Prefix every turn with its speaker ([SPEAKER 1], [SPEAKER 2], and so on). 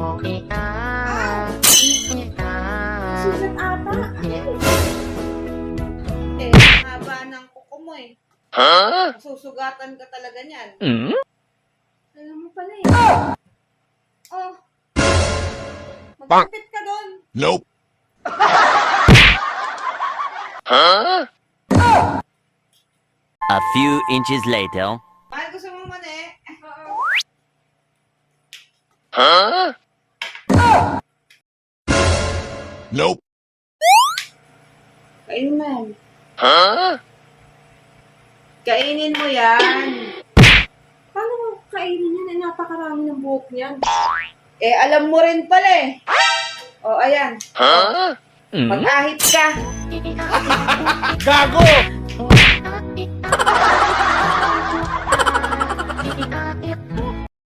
[SPEAKER 1] Sugat ata.
[SPEAKER 2] Eh, ang haba ng kuko mo eh. Susugatan ka talaga niyan.
[SPEAKER 1] Alam mo pala eh.
[SPEAKER 2] Oh. Magkapit ka doon.
[SPEAKER 3] Nope.
[SPEAKER 4] A few inches later.
[SPEAKER 2] Mahal, gusto mo mani?
[SPEAKER 3] Nope.
[SPEAKER 2] Kainin mo yan. Kainin mo yan.
[SPEAKER 1] Paano mo kainin yan? Eh, napakarami ng buhok niyan.
[SPEAKER 2] Eh, alam mo rin pala eh. O, ayan. Mag-ahit ka.
[SPEAKER 3] Gago!